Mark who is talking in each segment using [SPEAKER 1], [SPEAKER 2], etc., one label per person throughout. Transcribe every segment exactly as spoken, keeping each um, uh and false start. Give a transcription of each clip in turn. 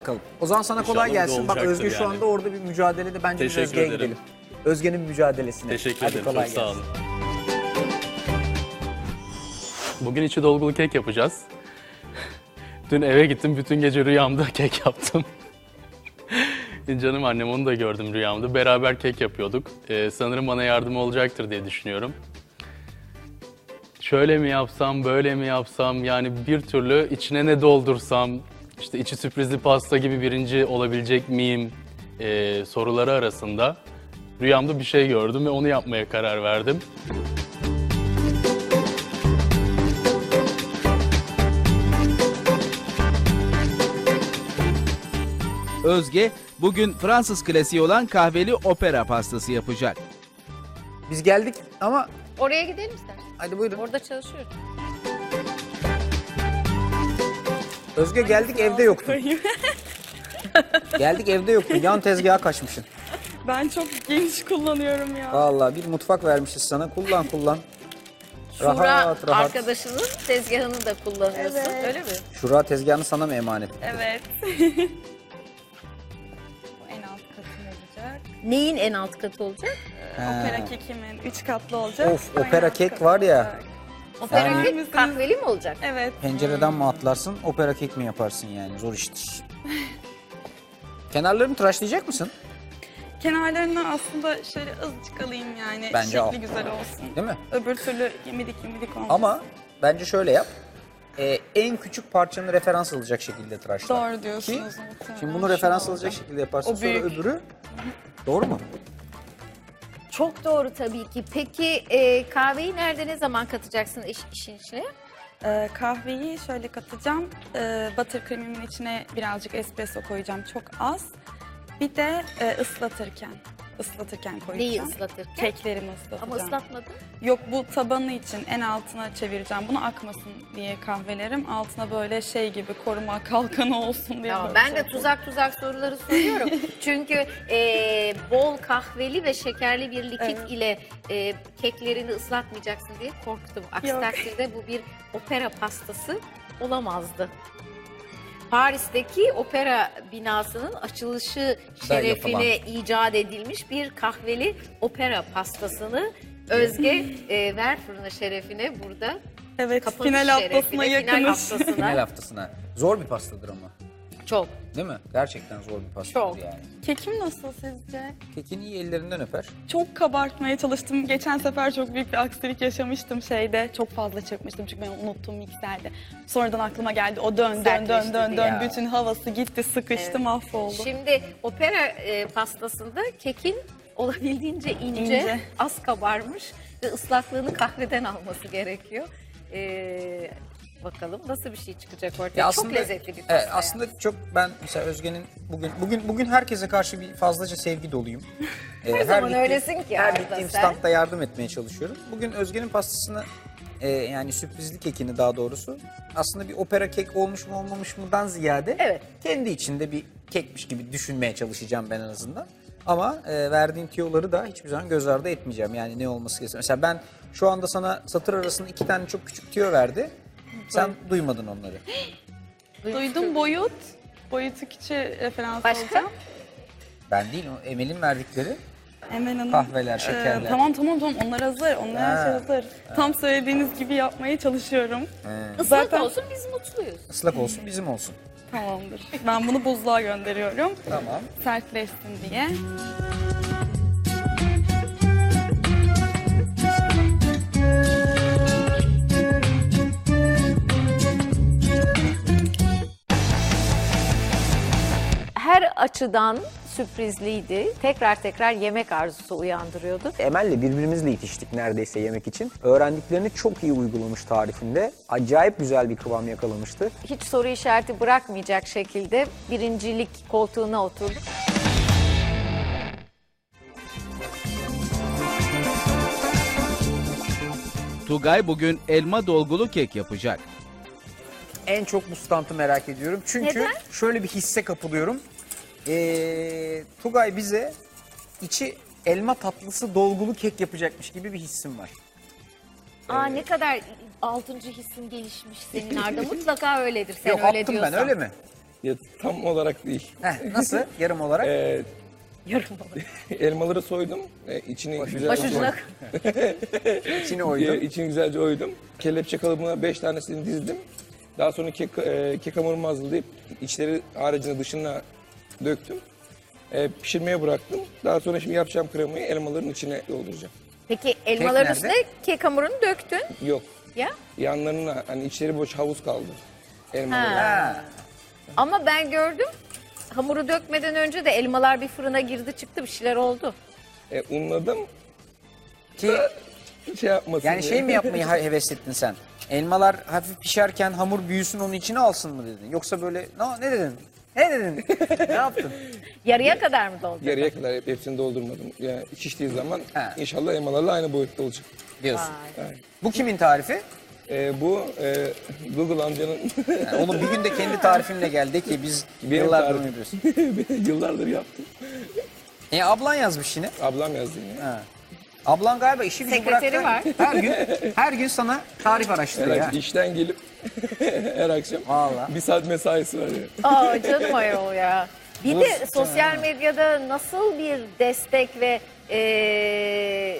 [SPEAKER 1] Bakalım. O zaman sana kolay
[SPEAKER 2] İnşallah
[SPEAKER 1] gelsin. Bak
[SPEAKER 2] olacaktır
[SPEAKER 1] Özge şu
[SPEAKER 2] yani.
[SPEAKER 1] anda orada bir mücadelede. Bence biz
[SPEAKER 2] Teşekkür
[SPEAKER 1] Özge'ye
[SPEAKER 2] ederim.
[SPEAKER 1] gidelim. Özge'nin mücadelesine.
[SPEAKER 2] Teşekkür
[SPEAKER 1] Hadi
[SPEAKER 2] ederim.
[SPEAKER 1] kolay
[SPEAKER 2] Çok sağ
[SPEAKER 1] gelsin.
[SPEAKER 2] olun. Bugün içi dolgulu kek yapacağız. Dün eve gittim, bütün gece rüyamda kek yaptım. Canım annem, onu da gördüm rüyamda. Beraber kek yapıyorduk. Ee, sanırım bana yardım olacaktır diye düşünüyorum. Şöyle mi yapsam, böyle mi yapsam, yani bir türlü içine ne doldursam, işte içi sürprizli pasta gibi birinci olabilecek miyim ee, soruları arasında rüyamda bir şey gördüm ve onu yapmaya karar verdim.
[SPEAKER 3] Özge bugün Fransız klasiği olan kahveli opera pastası yapacak.
[SPEAKER 1] Biz geldik ama
[SPEAKER 4] Oraya gidelim istersen.
[SPEAKER 1] hadi buyurun.
[SPEAKER 4] Orada çalışıyoruz.
[SPEAKER 1] Özge geldik evde yoktun. Geldik evde yoktun. Yan tezgaha kaçmışsın.
[SPEAKER 5] Ben çok geniş kullanıyorum ya.
[SPEAKER 1] Vallahi bir mutfak vermişiz sana. Kullan kullan.
[SPEAKER 4] Şura
[SPEAKER 1] Rahat rahat.
[SPEAKER 4] arkadaşının tezgahını da kullanıyorsun.
[SPEAKER 5] Evet.
[SPEAKER 4] Öyle mi?
[SPEAKER 1] Şura tezgahını sana mı emanet?
[SPEAKER 5] Evet. Bu en alt katım olacak.
[SPEAKER 4] Neyin en alt katı olacak?
[SPEAKER 5] Opera kekimin üç katlı olacak.
[SPEAKER 1] Of,
[SPEAKER 5] En
[SPEAKER 1] opera
[SPEAKER 5] alt
[SPEAKER 1] kek
[SPEAKER 5] katı
[SPEAKER 1] var ya.
[SPEAKER 5] olacak.
[SPEAKER 4] Opera
[SPEAKER 1] Yani-
[SPEAKER 4] kek kahveli mi olacak?
[SPEAKER 5] Evet.
[SPEAKER 1] Pencereden mi atlarsın, opera kek mi yaparsın yani? Zor iştir. Kenarlarını tıraşlayacak mısın?
[SPEAKER 5] Kenarlarını aslında şöyle azıcık alayım yani.
[SPEAKER 1] Bence
[SPEAKER 5] Şekli
[SPEAKER 1] al.
[SPEAKER 5] güzel olsun.
[SPEAKER 1] Değil mi?
[SPEAKER 5] Öbür türlü yemidik yemidik olmaz.
[SPEAKER 1] Ama bence şöyle yap. Ee, en küçük parçanı referans alacak şekilde tıraşla.
[SPEAKER 5] Doğru diyorsunuz.
[SPEAKER 1] Ki,
[SPEAKER 5] muhtemelen.
[SPEAKER 1] şimdi bunu referans
[SPEAKER 5] Şu
[SPEAKER 1] alacak
[SPEAKER 5] olacak.
[SPEAKER 1] şekilde yaparsın.
[SPEAKER 5] O
[SPEAKER 1] Sonra
[SPEAKER 5] büyük.
[SPEAKER 1] öbürü. Doğru mu?
[SPEAKER 4] Çok doğru tabii ki. Peki e, kahveyi nerede, ne zaman katacaksın iş, işin içine?
[SPEAKER 5] Ee, kahveyi şöyle katacağım. Ee, buttercream'imin içine birazcık espresso koyacağım. Çok az. Bir de e, ıslatırken. ıslatırken koyacağım.
[SPEAKER 4] Neyi ıslatırken?
[SPEAKER 5] Keklerimi ıslatacağım.
[SPEAKER 4] Ama ıslatmadın.
[SPEAKER 5] Yok, bu tabanı için en altına çevireceğim. Bunu akmasın diye kahvelerim. Altına böyle şey gibi koruma kalkanı olsun diye.
[SPEAKER 4] Tamam,
[SPEAKER 5] böyle
[SPEAKER 4] ben
[SPEAKER 5] şey
[SPEAKER 4] de
[SPEAKER 5] yapıyorum.
[SPEAKER 4] tuzak tuzak soruları soruyorum. Çünkü e, bol kahveli ve şekerli bir likit
[SPEAKER 5] Evet.
[SPEAKER 4] ile e, keklerini ıslatmayacaksın diye korktum. Aksi
[SPEAKER 5] Yok.
[SPEAKER 4] takdirde bu bir opera pastası olamazdı. Paris'teki opera binasının açılışı şerefine icat edilmiş bir kahveli opera pastasını Özge e, ver fırına şerefine burada.
[SPEAKER 5] Evet,
[SPEAKER 4] Kapanış
[SPEAKER 5] final
[SPEAKER 4] şerefine,
[SPEAKER 5] haftasına
[SPEAKER 4] final
[SPEAKER 5] yakınız.
[SPEAKER 4] haftasına.
[SPEAKER 1] Final haftasına. Zor bir pastadır ama.
[SPEAKER 4] Çok.
[SPEAKER 1] Değil mi? Gerçekten zor bir pastadır
[SPEAKER 4] Çok.
[SPEAKER 1] yani.
[SPEAKER 5] Kekim nasıl sizce?
[SPEAKER 1] Kekin iyi ellerinden öper.
[SPEAKER 5] Çok kabartmaya çalıştım. Geçen sefer çok büyük bir aksilik yaşamıştım şeyde. Çok fazla çırpmıştım çünkü ben unuttum mikserde. Sonradan aklıma geldi. O dön dön dön
[SPEAKER 4] Sertleşti
[SPEAKER 5] dön
[SPEAKER 4] diye.
[SPEAKER 5] dön. Bütün havası gitti, sıkıştı,
[SPEAKER 4] Evet.
[SPEAKER 5] mahvoldu.
[SPEAKER 4] Şimdi opera e, pastasında kekin olabildiğince ince,
[SPEAKER 5] İnce.
[SPEAKER 4] az kabarmış ve ıslaklığını kahveden alması gerekiyor. E, bakalım nasıl bir şey çıkacak ortaya.
[SPEAKER 1] Ya
[SPEAKER 4] Çok lezzetli bir pasta.
[SPEAKER 1] Evet,
[SPEAKER 4] yani.
[SPEAKER 1] aslında çok ben mesela Özge'nin bugün bugün bugün herkese karşı bir fazlaca sevgi doluyum. Ee, her
[SPEAKER 4] zaman
[SPEAKER 1] gittiğim-
[SPEAKER 4] öylesin ki
[SPEAKER 1] Her
[SPEAKER 4] Arda
[SPEAKER 1] gittiğim
[SPEAKER 4] sen.
[SPEAKER 1] standta yardım etmeye çalışıyorum. Bugün Özge'nin pastasını e, yani sürprizli kekini daha doğrusu aslında bir opera kek olmuş mu olmamış mıdan ziyade
[SPEAKER 4] Evet.
[SPEAKER 1] kendi içinde bir kekmiş gibi düşünmeye çalışacağım ben en azından. Ama e, verdiğin tüyoları da hiçbir zaman göz ardı etmeyeceğim. Yani ne olması gerekiyor. Mesela ben şu anda sana satır arasında iki tane çok küçük tüyo verdi. Sen duymadın onları.
[SPEAKER 5] Duydum, boyut. Boyutu küçüğe referans
[SPEAKER 4] Başka?
[SPEAKER 5] alacağım.
[SPEAKER 1] Ben değil, o Emel'in verdikleri.
[SPEAKER 5] Emel Hanım.
[SPEAKER 1] Kahveler, şekerler.
[SPEAKER 5] tamam tamam tamam, onlar hazır. Onlar her şey
[SPEAKER 1] Ha.
[SPEAKER 5] hazır. Tam söylediğiniz gibi yapmaya çalışıyorum.
[SPEAKER 4] Islak
[SPEAKER 5] Zaten-
[SPEAKER 4] olsun biz mutluyuz.
[SPEAKER 1] Islak olsun, bizim olsun.
[SPEAKER 5] Tamamdır. Ben bunu buzluğa gönderiyorum.
[SPEAKER 1] Tamam.
[SPEAKER 5] Sertleşsin diye.
[SPEAKER 4] Her açıdan sürprizliydi. Tekrar tekrar yemek arzusu uyandırıyordu.
[SPEAKER 1] Emel'le birbirimizle itiştik neredeyse yemek için. Öğrendiklerini çok iyi uygulamış tarifinde. Acayip güzel bir kıvam yakalamıştı.
[SPEAKER 4] Hiç soru işareti bırakmayacak şekilde birincilik koltuğuna oturdu.
[SPEAKER 3] Tugay bugün elma dolgulu kek yapacak.
[SPEAKER 1] En çok bu standı merak ediyorum. Çünkü
[SPEAKER 4] Neden?
[SPEAKER 1] şöyle bir hisse kapılıyorum. Ee, Tugay bize içi elma tatlısı dolgulu kek yapacakmış gibi bir hissim var.
[SPEAKER 4] Aa ne kadar altıncı hissin gelişmiş senin Arda. Mutlaka öyledir sen
[SPEAKER 1] Yok
[SPEAKER 4] öyle
[SPEAKER 1] attım
[SPEAKER 4] diyorsan.
[SPEAKER 1] ben öyle mi?
[SPEAKER 6] Ya, tam olarak değil.
[SPEAKER 1] Heh, nasıl? Yarım olarak?
[SPEAKER 6] Ee,
[SPEAKER 4] Yarım olarak.
[SPEAKER 6] elmaları soydum. Ee, içini güzelce
[SPEAKER 4] Başucuna
[SPEAKER 1] İçini
[SPEAKER 6] Ee,
[SPEAKER 1] oydum.
[SPEAKER 6] içini güzelce oydum. Kelepçe kalıbına beş tanesini dizdim. Daha sonra kek, e, kek hamurumu hazırlayıp içleri haricinde dışına döktüm. E, pişirmeye bıraktım. Daha sonra şimdi yapacağım kremayı elmaların içine dolduracağım.
[SPEAKER 4] Peki elmaların
[SPEAKER 1] nerede?
[SPEAKER 4] üstüne kek hamurunu döktün.
[SPEAKER 6] Yok.
[SPEAKER 4] Ya.
[SPEAKER 6] Yanlarına hani içleri boş havuz kaldı. Elmaları.
[SPEAKER 1] Ha.
[SPEAKER 4] Ama ben gördüm. Hamuru dökmeden önce de elmalar bir fırına girdi çıktı, bir şeyler oldu.
[SPEAKER 6] E, unladım.
[SPEAKER 1] Ki
[SPEAKER 6] Şey yapmasın
[SPEAKER 1] yani
[SPEAKER 6] diye.
[SPEAKER 1] şey mi yapmayı ha- heveslettin sen? Elmalar hafif pişerken hamur büyüsün onun içine alsın mı dedin? Yoksa böyle ne, ne dedin? Ne dedin? Ne yaptın?
[SPEAKER 4] Yarıya kadar mı doldu?
[SPEAKER 6] Yarıya kadar hep hepsini doldurmadım. Yani şiştiği zaman
[SPEAKER 1] Ha.
[SPEAKER 6] inşallah elmalarla aynı boyutta olacak.
[SPEAKER 1] Diyorsun.
[SPEAKER 4] Vay.
[SPEAKER 1] Bu kimin tarifi?
[SPEAKER 6] E, bu e, Google amcanın
[SPEAKER 1] Yani oğlum bir gün de kendi tarifinle geldi ki biz
[SPEAKER 6] Benim
[SPEAKER 1] yıllardır
[SPEAKER 6] tarifim.
[SPEAKER 1] onu yapıyoruz.
[SPEAKER 6] yıllardır yaptım.
[SPEAKER 1] E ablan yazmış yine.
[SPEAKER 6] Ablam yazdı yine.
[SPEAKER 1] Ha. Ablan galiba işi gücü
[SPEAKER 4] Sekreteri
[SPEAKER 1] bıraktı. Her gün her gün sana tarif araştırıyor.
[SPEAKER 6] Her
[SPEAKER 1] ha.
[SPEAKER 6] akşam işten gelip her akşam
[SPEAKER 1] Vallahi.
[SPEAKER 6] bir saat mesaisi var ya.
[SPEAKER 4] Aa canım ayol ya. Bir
[SPEAKER 1] Bu-
[SPEAKER 4] de sosyal medyada nasıl bir destek ve eee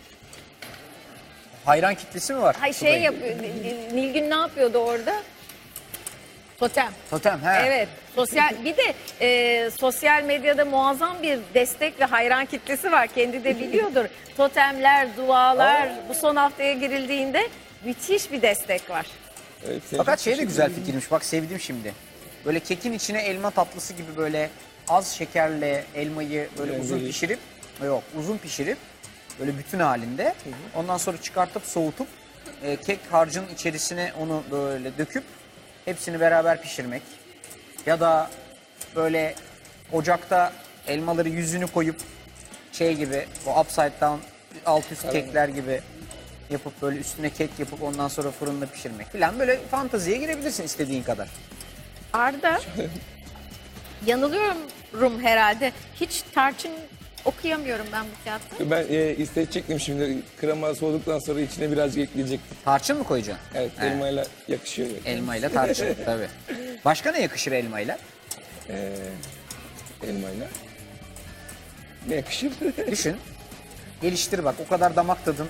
[SPEAKER 1] Hayran kitlesi mi var?
[SPEAKER 4] hay şey yapıyor. Nil- Nilgün ne yapıyordu orada? Totem.
[SPEAKER 1] Totem he.
[SPEAKER 4] Evet. Sosyal bir de e, sosyal medyada muazzam bir destek ve hayran kitlesi var. Kendi de biliyordur. Totemler, dualar bu son haftaya girildiğinde müthiş bir destek var.
[SPEAKER 6] Evet, seni
[SPEAKER 1] Fakat
[SPEAKER 6] çok
[SPEAKER 1] şey de
[SPEAKER 6] teşekkür
[SPEAKER 1] güzel
[SPEAKER 6] ederim.
[SPEAKER 1] fikirmiş. Bak sevdim şimdi. Böyle kekin içine elma tatlısı gibi böyle az şekerle elmayı böyle
[SPEAKER 6] Yani
[SPEAKER 1] uzun
[SPEAKER 6] böyle-
[SPEAKER 1] pişirip yok uzun pişirip böyle bütün halinde ondan sonra çıkartıp soğutup e, kek harcının içerisine onu böyle döküp hepsini beraber pişirmek. Ya da böyle ocakta elmaları yüzünü koyup şey gibi o upside down alt üst kekler gibi yapıp böyle üstüne kek yapıp ondan sonra fırında pişirmek falan böyle fanteziye girebilirsin istediğin kadar.
[SPEAKER 4] Arda, yanılıyorum herhalde. Hiç tarçın okuyamıyorum ben bu kağıtta.
[SPEAKER 6] Ben e, isteyecektim şimdi krema soğuduktan sonra içine birazcık ekleyecektim.
[SPEAKER 1] Tarçın mı koyacaksın?
[SPEAKER 6] Evet
[SPEAKER 1] He.
[SPEAKER 6] elmayla yakışıyor. Yani.
[SPEAKER 1] Elmayla tarçın tabii. Başka ne yakışır elmayla?
[SPEAKER 6] Ee, elmayla. Ne yakışır?
[SPEAKER 1] Düşün. Geliştir bak o kadar damak tadın.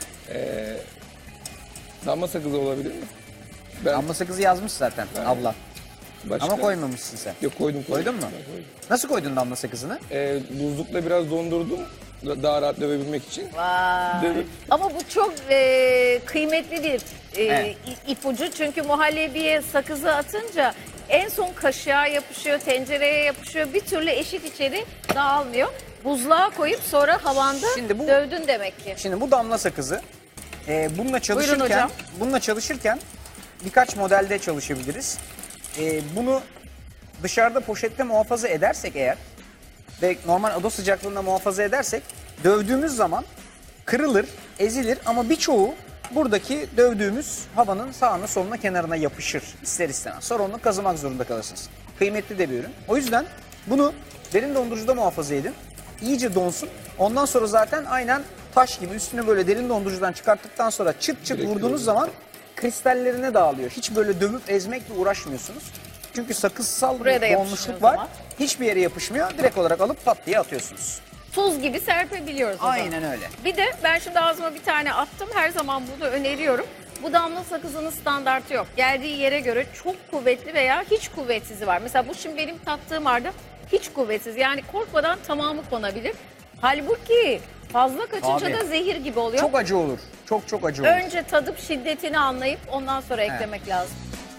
[SPEAKER 6] Damla sakızı olabilir mi? Ben
[SPEAKER 1] Damla sakızı yazmış zaten abla.
[SPEAKER 6] başka...
[SPEAKER 1] Ama koymamışsın sen.
[SPEAKER 6] Yok koydum koydum.
[SPEAKER 1] Koydun mu?
[SPEAKER 6] Ben koydum.
[SPEAKER 1] Nasıl koydun damla sakızını?
[SPEAKER 6] Ee, buzlukla biraz dondurdum. Daha rahat dövebilmek için.
[SPEAKER 4] Vay.
[SPEAKER 6] Dövüp-
[SPEAKER 4] Ama bu çok e, kıymetli bir e,
[SPEAKER 1] Evet.
[SPEAKER 4] i- ipucu. Çünkü muhallebiye sakızı atınca en son kaşığa yapışıyor, tencereye yapışıyor. Bir türlü eşit içeri dağılmıyor. Buzluğa koyup sonra havanda
[SPEAKER 1] Şimdi bu-
[SPEAKER 4] dövdün demek ki.
[SPEAKER 1] Şimdi bu damla sakızı e, bununla çalışırken
[SPEAKER 4] hocam.
[SPEAKER 1] bununla çalışırken birkaç modelde çalışabiliriz. E, bunu dışarıda poşette muhafaza edersek eğer ve normal oda sıcaklığında muhafaza edersek dövdüğümüz zaman kırılır, ezilir ama birçoğu buradaki dövdüğümüz havanın sağına soluna kenarına yapışır ister istemez. Sonra onu kazımak zorunda kalırsınız. Kıymetli de bir ürün. O yüzden bunu derin dondurucuda muhafaza edin. İyice donsun. Ondan sonra zaten aynen taş gibi üstüne böyle derin dondurucudan çıkarttıktan sonra çıt çıt vurduğunuz zaman kristallerine dağılıyor. Hiç böyle dövüp ezmekle uğraşmıyorsunuz. Çünkü sakızsal
[SPEAKER 4] Buraya da
[SPEAKER 1] bir
[SPEAKER 4] yapışmıyor
[SPEAKER 1] donmuşluk
[SPEAKER 4] o
[SPEAKER 1] var.
[SPEAKER 4] zaman.
[SPEAKER 1] Hiçbir yere yapışmıyor. Direkt olarak alıp pat diye atıyorsunuz.
[SPEAKER 4] Tuz gibi serpebiliyoruz o zaman.
[SPEAKER 1] Aynen öyle.
[SPEAKER 4] Bir de ben şimdi ağzıma bir tane attım. Her zaman bunu öneriyorum. Bu damla sakızının standartı yok. Geldiği yere göre çok kuvvetli veya hiç kuvvetsizi var. Mesela bu şimdi benim tattığım arda hiç kuvvetsiz. Yani korkmadan tamamı konabilir. Halbuki fazla kaçınca
[SPEAKER 1] Abi,
[SPEAKER 4] da zehir gibi oluyor.
[SPEAKER 1] Çok acı olur. Çok çok acı olur.
[SPEAKER 4] Önce tadıp şiddetini anlayıp ondan sonra eklemek lazım.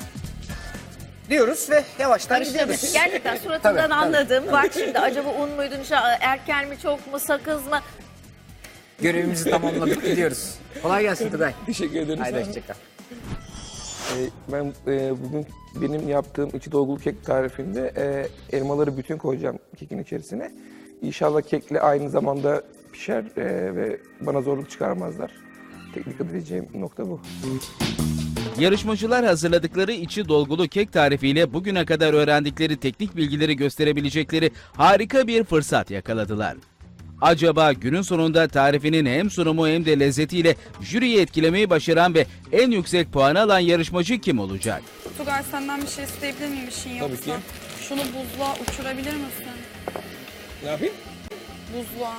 [SPEAKER 1] Diyoruz ve yavaştan
[SPEAKER 4] Karıştırdık.
[SPEAKER 1] gidiyoruz.
[SPEAKER 4] Gerçekten suratından
[SPEAKER 1] Tabii, tabii.
[SPEAKER 4] anladım. Bak şimdi acaba un muydu, nişa- erken mi, çok mu, sakız mı?
[SPEAKER 1] Görevimizi tamamladık gidiyoruz. Kolay gelsin Tugay.
[SPEAKER 6] Teşekkür ederim.
[SPEAKER 1] Haydi
[SPEAKER 6] Sağ olun.
[SPEAKER 1] hoşçakal.
[SPEAKER 6] Ee, ben e, bugün benim yaptığım içi dolgulu kek tarifinde e, elmaları bütün koyacağım kekin içerisine. İnşallah kekle aynı zamanda pişer e, ve bana zorluk çıkarmazlar. Tek dikkat edeceğim nokta bu.
[SPEAKER 3] Yarışmacılar hazırladıkları içi dolgulu kek tarifiyle bugüne kadar öğrendikleri teknik bilgileri gösterebilecekleri harika bir fırsat yakaladılar. Acaba günün sonunda tarifinin hem sunumu hem de lezzetiyle jüriyi etkilemeyi başaran ve en yüksek puanı alan yarışmacı kim olacak?
[SPEAKER 5] Tugay senden bir şey isteyebilir miyim işin yoksa?
[SPEAKER 6] Tabii ki.
[SPEAKER 5] Şunu buzluğa uçurabilir misin?
[SPEAKER 6] Ne yapayım?
[SPEAKER 5] Buzluğa.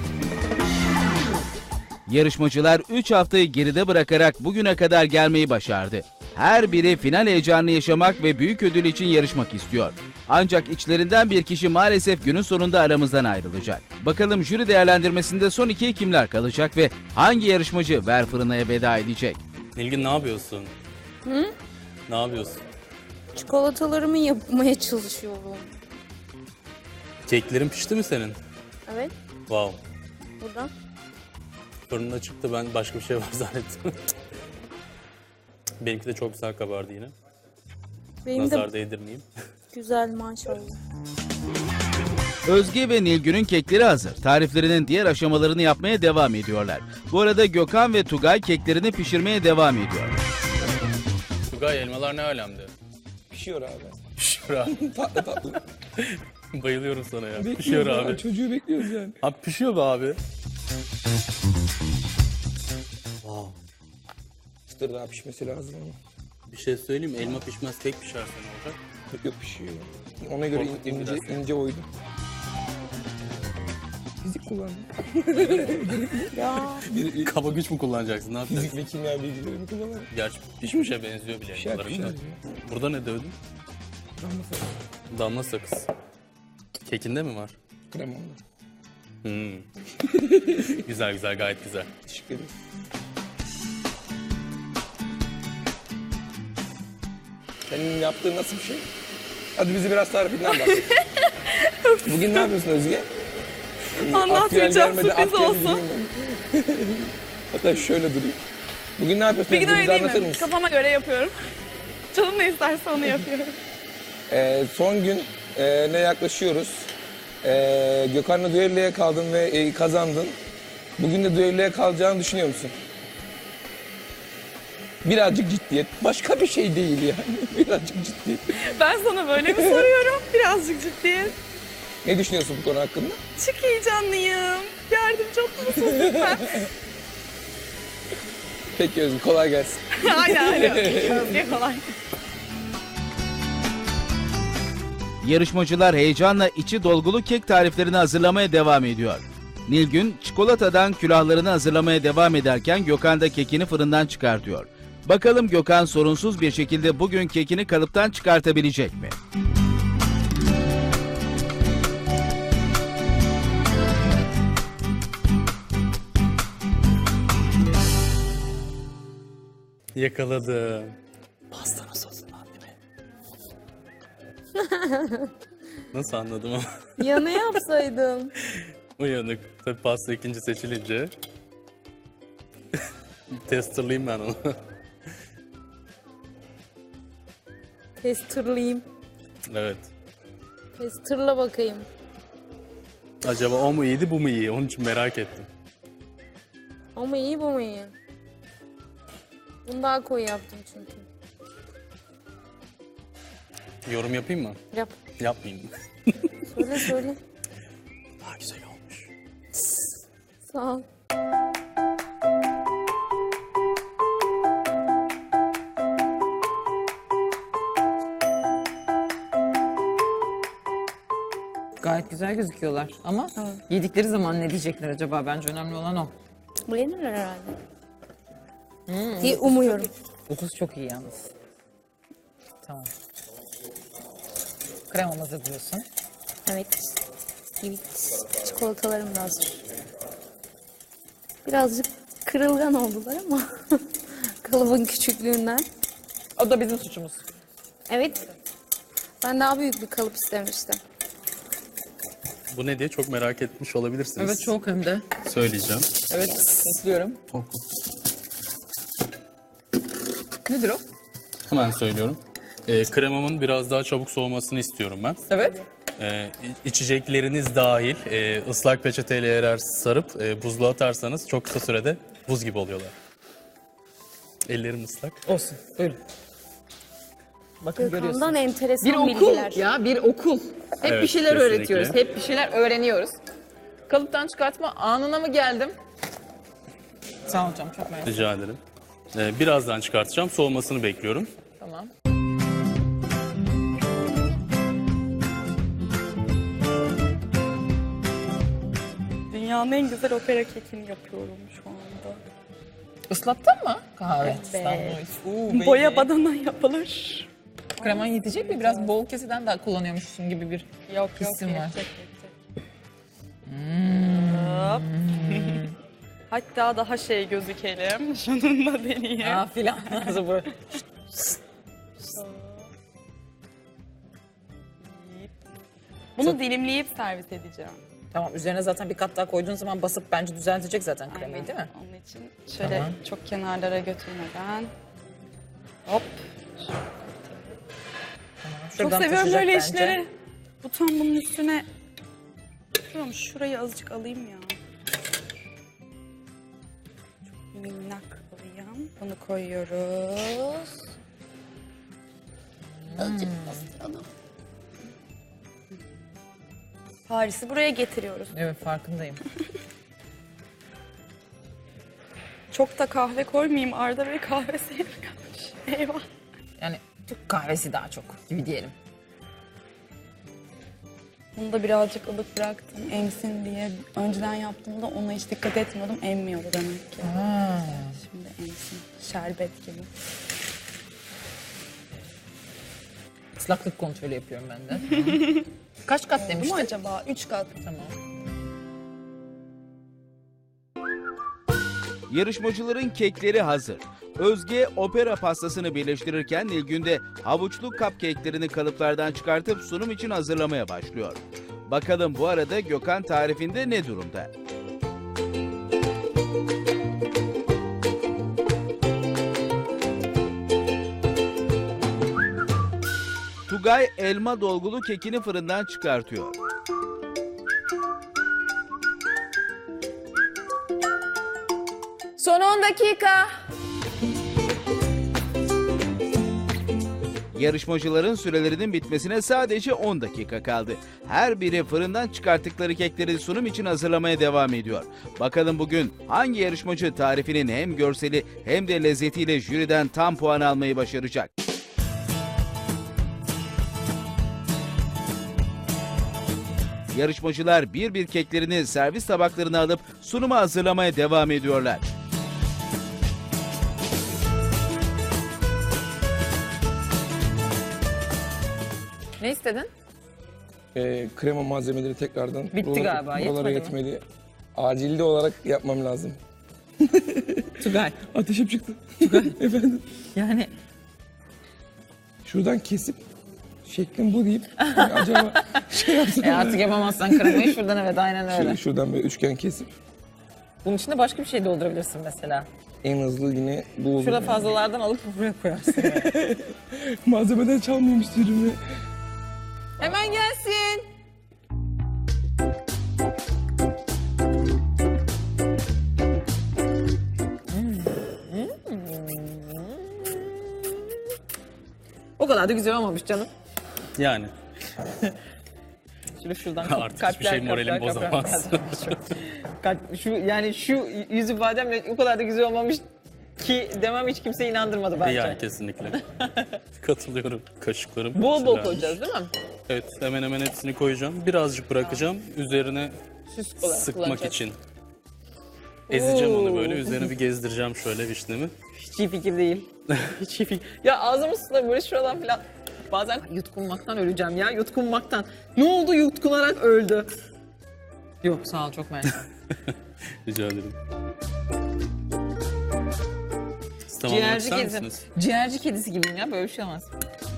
[SPEAKER 3] Yarışmacılar üç haftayı geride bırakarak bugüne kadar gelmeyi başardı. Her biri final heyecanını yaşamak ve büyük ödül için yarışmak istiyor. Ancak içlerinden bir kişi maalesef günün sonunda aramızdan ayrılacak. Bakalım jüri değerlendirmesinde son ikiye kimler kalacak ve hangi yarışmacı Ver Fırına'ya veda edecek?
[SPEAKER 2] Nilgün ne yapıyorsun? Hı? Ne yapıyorsun?
[SPEAKER 7] Çikolatalarımı yapmaya çalışıyorum.
[SPEAKER 2] Keklerin pişti mi senin?
[SPEAKER 7] Evet,
[SPEAKER 2] Wow.
[SPEAKER 7] burada.
[SPEAKER 2] Fırında çıktı, ben başka bir şey var zannettim. Benimki de çok güzel kabardı yine.
[SPEAKER 7] Benim
[SPEAKER 2] Nazar
[SPEAKER 7] de
[SPEAKER 2] değdirmeyeyim.
[SPEAKER 7] güzel maşallah.
[SPEAKER 3] Özge ve Nilgün'ün kekleri hazır. Tariflerinin diğer aşamalarını yapmaya devam ediyorlar. Bu arada Gökhan ve Tugay keklerini pişirmeye devam ediyor.
[SPEAKER 2] Tugay, elmalar ne alemde?
[SPEAKER 6] Pişiyor abi.
[SPEAKER 2] Pişiyor abi.
[SPEAKER 6] Tatlı tatlı.
[SPEAKER 2] Bayılıyorum sana ya. Pişiyor
[SPEAKER 6] Bekliyoruz
[SPEAKER 2] abi.
[SPEAKER 6] Çocuğu bekliyoruz yani.
[SPEAKER 2] Abi pişiyor be abi. Wow.
[SPEAKER 6] Çıtır daha pişmesi lazım ama.
[SPEAKER 2] Bir şey söyleyeyim mi? Elma pişmez, kek pişerse ne olacak?
[SPEAKER 6] Yok yok pişiyor. Ona göre
[SPEAKER 2] Korkutayım
[SPEAKER 6] ince,
[SPEAKER 2] biraz.
[SPEAKER 6] ince oydum. Fizik kullandım.
[SPEAKER 7] Ya
[SPEAKER 6] Bir,
[SPEAKER 2] Kaba güç mü kullanacaksın? Ne yapacaksın?
[SPEAKER 6] fizik ve kimya bilgilerimi kullanarak.
[SPEAKER 2] Gerçi pişmişe benziyor bile
[SPEAKER 6] Pişer,
[SPEAKER 2] elmaların da.
[SPEAKER 6] pişer.
[SPEAKER 2] Burada ne dövdün?
[SPEAKER 6] Damla sakız.
[SPEAKER 2] Damla sakız. Kekinde mi var?
[SPEAKER 6] Krem oldu.
[SPEAKER 2] Hmm. Güzel güzel, gayet güzel.
[SPEAKER 6] Teşekkür ederim. Senin yaptığın nasıl bir şey? Hadi bizi biraz tarifinden bahset. Bugün ne yapıyorsun Özge?
[SPEAKER 5] Anlatmayacağım,
[SPEAKER 6] Aktüel gelmedi,
[SPEAKER 5] sürpriz
[SPEAKER 6] aktüel
[SPEAKER 5] olsun.
[SPEAKER 6] bileyim ben. Hatta şöyle durayım. Bugün ne yapıyorsun?
[SPEAKER 5] Bir gün
[SPEAKER 6] Özge?
[SPEAKER 5] öyle
[SPEAKER 6] Bize
[SPEAKER 5] değil
[SPEAKER 6] anlatır
[SPEAKER 5] mi?
[SPEAKER 6] mısın?
[SPEAKER 5] Kafama göre yapıyorum. Canım ne isterse onu yapıyorum.
[SPEAKER 6] Ee, son gün e, ne yaklaşıyoruz? Ee, Gökhan'la düelloya kaldın ve e, kazandın. Bugün de düelloya kalacağını düşünüyor musun? Birazcık ciddiyet. Başka bir şey değil yani. Birazcık ciddiyet.
[SPEAKER 5] Ben sana böyle mi soruyorum? Birazcık ciddiyet.
[SPEAKER 6] Ne düşünüyorsun bu konu hakkında?
[SPEAKER 5] Çok heyecanlıyım. Yardımcı olur musun lütfen?
[SPEAKER 6] Peki Özgür, kolay gelsin.
[SPEAKER 5] aynen aynen. Özge kolay.
[SPEAKER 3] Yarışmacılar heyecanla içi dolgulu kek tariflerini hazırlamaya devam ediyor. Nilgün çikolatadan külahlarını hazırlamaya devam ederken Gökhan da kekini fırından çıkartıyor. Bakalım Gökhan sorunsuz bir şekilde bugün kekini kalıptan çıkartabilecek mi?
[SPEAKER 2] Yakaladım. Pastanın sosundan değil mi? Nasıl anladım ama?
[SPEAKER 7] ya ne yapsaydım?
[SPEAKER 2] Uyanık. Tabii pasta ikinci seçilince. Testerlayayım ben onu.
[SPEAKER 7] Testerlayayım.
[SPEAKER 2] Evet.
[SPEAKER 7] Testerla bakayım.
[SPEAKER 2] Acaba o mu iyiydi, bu mu iyi? Onun için merak ettim.
[SPEAKER 7] Ama iyi bu mu iyi? Bunu daha koyu yaptım çünkü.
[SPEAKER 2] Yorum yapayım mı?
[SPEAKER 7] Yap.
[SPEAKER 2] Yapmayayım.
[SPEAKER 7] Söyle söyle.
[SPEAKER 2] Daha güzel olmuş.
[SPEAKER 7] Sağ ol.
[SPEAKER 8] Gayet güzel gözüküyorlar ama yedikleri zaman ne diyecekler acaba? Bence önemli olan o.
[SPEAKER 7] Beğenirler herhalde. Diye umuyorum.
[SPEAKER 8] Kokusu çok iyi yalnız. Tamam. Kremamızı diyorsun.
[SPEAKER 7] Evet. Evet. Çikolatalarım da hazır. Birazcık kırılgan oldular ama kalıbın küçüklüğünden.
[SPEAKER 8] O da bizim suçumuz.
[SPEAKER 7] Evet. Ben daha büyük bir kalıp istemiştim.
[SPEAKER 2] Bu ne diye çok merak etmiş olabilirsiniz.
[SPEAKER 8] Evet çok hem de.
[SPEAKER 2] Söyleyeceğim.
[SPEAKER 8] Evet istiyorum. Nedir o?
[SPEAKER 2] Hemen söylüyorum. Ee, kremamın biraz daha çabuk soğumasını istiyorum ben.
[SPEAKER 8] Evet.
[SPEAKER 2] Ee, içecekleriniz dahil e, ıslak peçeteyle eğer sarıp e, buzluğa atarsanız çok kısa sürede buz gibi oluyorlar. Ellerim ıslak.
[SPEAKER 8] Olsun. Buyurun. Bakın
[SPEAKER 7] Gökhan'dan
[SPEAKER 8] görüyorsunuz.
[SPEAKER 7] enteresan
[SPEAKER 8] Bir okul
[SPEAKER 7] bilgiler.
[SPEAKER 8] ya bir okul. Hep
[SPEAKER 2] Evet,
[SPEAKER 8] bir şeyler
[SPEAKER 2] kesinlikle.
[SPEAKER 8] öğretiyoruz. Hep bir şeyler öğreniyoruz. Kalıptan çıkartma anına mı geldim? Sağ ol hocam çok mersi.
[SPEAKER 2] Rica ederim. Ee, birazdan çıkartacağım. Soğumasını bekliyorum.
[SPEAKER 8] Tamam.
[SPEAKER 5] Dünyanın en güzel opera kekini yapıyorum şu anda.
[SPEAKER 8] Islattın mı? Kahve.
[SPEAKER 5] Evet.
[SPEAKER 8] Uuu,
[SPEAKER 5] Boya badana yapılır.
[SPEAKER 8] Kreman yetecek mi? Biraz bol keseden daha kullanıyormuşsun gibi bir
[SPEAKER 5] Yok yok
[SPEAKER 8] hissim var.
[SPEAKER 5] yetecek yetecek. Hop. Hatta daha şey gözükelim. Şununla deneyeyim.
[SPEAKER 8] Aa filan. Nasıl bu?
[SPEAKER 5] Bunu dilimleyip servis edeceğim.
[SPEAKER 8] Tamam, üzerine zaten bir kat daha koyduğun zaman basıp bence düzeltecek zaten kremayı,
[SPEAKER 5] Aynen.
[SPEAKER 8] değil mi?
[SPEAKER 5] Onun için şöyle
[SPEAKER 8] Tamam.
[SPEAKER 5] çok kenarlara götürmeden. Hop. Çok
[SPEAKER 8] Şuradan
[SPEAKER 5] seviyorum
[SPEAKER 8] taşıyacak
[SPEAKER 5] böyle
[SPEAKER 8] bence.
[SPEAKER 5] işleri. Bu tam bunun üstüne. Şuram şurayı azıcık alayım ya. Çok minnak alayım. Bunu koyuyoruz. Azıcık bastıralım. Paris'i buraya getiriyoruz.
[SPEAKER 8] Evet, farkındayım.
[SPEAKER 5] Çok da kahve koymayayım. Arda Bey kahve sevmiyormuş. Eyvah.
[SPEAKER 8] Yani Türk kahvesi daha çok gibi diyelim.
[SPEAKER 5] Bunu da birazcık ılık bıraktım emsin diye. Önceden yaptığımda ona hiç dikkat etmiyordum. Emmiyordu demek ki.
[SPEAKER 8] Ha.
[SPEAKER 5] Şimdi emsin. Şerbet gibi.
[SPEAKER 8] Islaklık kontrolü yapıyorum ben de. Kaç kat
[SPEAKER 5] Bu mu
[SPEAKER 8] demiştin?
[SPEAKER 5] acaba? Üç kat.
[SPEAKER 8] Tamam.
[SPEAKER 3] Yarışmacıların kekleri hazır. Özge opera pastasını birleştirirken Nilgün de havuçlu cupcake'lerini kalıplardan çıkartıp sunum için hazırlamaya başlıyor. Bakalım bu arada Gökhan tarifinde ne durumda? Tugay elma dolgulu kekini fırından çıkartıyor.
[SPEAKER 8] Son on dakika.
[SPEAKER 3] Yarışmacıların sürelerinin bitmesine sadece on dakika kaldı. Her biri fırından çıkarttıkları kekleri sunum için hazırlamaya devam ediyor. Bakalım bugün hangi yarışmacı tarifinin hem görseli hem de lezzetiyle jüriden tam puan almayı başaracak? Yarışmacılar bir bir keklerini servis tabaklarına alıp sunuma hazırlamaya devam ediyorlar.
[SPEAKER 8] Ne istedin?
[SPEAKER 6] Ee, krema malzemeleri tekrardan
[SPEAKER 8] Bitti galiba,
[SPEAKER 6] buralara
[SPEAKER 8] yetmedi mi?
[SPEAKER 6] yetmeli. Acilde olarak yapmam lazım.
[SPEAKER 8] Tugay.
[SPEAKER 6] Ateşim çıktı. Efendim.
[SPEAKER 8] Yani
[SPEAKER 6] Şuradan kesip şeklim bu deyip hani acaba şey yapsam.
[SPEAKER 8] e artık yapamazsan kremayı şuradan, evet aynen öyle.
[SPEAKER 6] Şöyle şuradan böyle üçgen kesip
[SPEAKER 8] Bunun içinde başka bir şey doldurabilirsin mesela.
[SPEAKER 6] en hızlı yine bu olur.
[SPEAKER 8] Şurada
[SPEAKER 6] yani.
[SPEAKER 8] fazlalardan alıp buraya koyarsın.
[SPEAKER 6] Malzemeden çalmayayım istiyorum.
[SPEAKER 8] Hemen gelsin. O kadar da güzel olmamış canım.
[SPEAKER 2] Yani
[SPEAKER 8] Şöyle şuradan
[SPEAKER 2] Artık hiçbir şey moralimi bozamaz.
[SPEAKER 8] Kalp- şu yani şu yüz ifademle o kadar da güzel olmamış ki demem hiç kimse inandırmadı bence.
[SPEAKER 2] yani kesinlikle. Katılıyorum. Kaşıklarım.
[SPEAKER 8] Bol bol
[SPEAKER 2] güzelmiş.
[SPEAKER 8] koyacağız değil mi?
[SPEAKER 2] Evet, hemen hemen hepsini koyacağım. Birazcık bırakacağım. Üzerine
[SPEAKER 8] Süs olarak
[SPEAKER 2] sıkmak
[SPEAKER 8] kullanacağız.
[SPEAKER 2] için. Ezeceğim onu
[SPEAKER 8] Oo.
[SPEAKER 2] böyle. Üzerine bir gezdireceğim şöyle vişnemi.
[SPEAKER 8] Hiç iyi fikir değil. Hiç iyi fikir. Ya ağzım ısınıyor böyle şuradan falan. Bazen yutkunmaktan öleceğim ya, yutkunmaktan. Ne oldu, yutkunarak öldü. Yok sağ ol, çok mersi.
[SPEAKER 2] Rica ederim. Siz tamamlamak
[SPEAKER 8] Ciğerci
[SPEAKER 2] ister
[SPEAKER 8] kedisi.
[SPEAKER 2] misiniz?
[SPEAKER 8] Ciğerci kedisi gibiyim ya, böyle bir şey olmaz.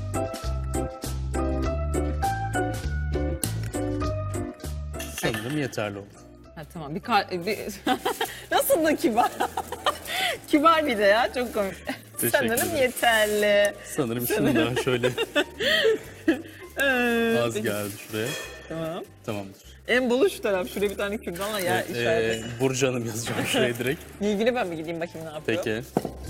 [SPEAKER 2] Sanırım yeterli oldu.
[SPEAKER 8] Ha, tamam bir, kar bir... Nasıl da kibar. Kibar bir de ya, çok komik.
[SPEAKER 2] Teşekkür
[SPEAKER 8] Sanırım
[SPEAKER 2] ederim.
[SPEAKER 8] yeterli.
[SPEAKER 2] Sanırım şunu da şöyle az
[SPEAKER 8] Peki,
[SPEAKER 2] geldi şuraya.
[SPEAKER 8] Tamam.
[SPEAKER 2] Tamamdır.
[SPEAKER 8] En bolu şu taraf. Şuraya bir tane kürdanla ya
[SPEAKER 2] Evet,
[SPEAKER 8] işaret.
[SPEAKER 2] ee, Burcu Hanım yazacağım şuraya direkt.
[SPEAKER 8] İlgili ben mi gideyim bakayım ne yapıyor?
[SPEAKER 2] Peki.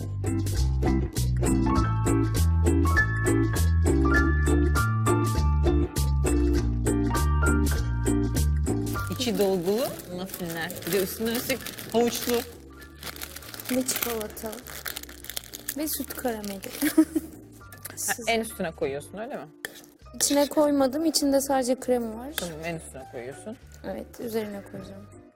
[SPEAKER 8] İçi dolgulu muffinler. Bir de üstüne üstlük havuçlu.
[SPEAKER 7] Ve çikolata. Ve süt karameli.
[SPEAKER 8] Ha, en üstüne koyuyorsun öyle mi?
[SPEAKER 7] İçine koymadım. İçinde sadece krema var.
[SPEAKER 8] Tamam, en üstüne koyuyorsun.
[SPEAKER 7] Evet, üzerine koyacağım.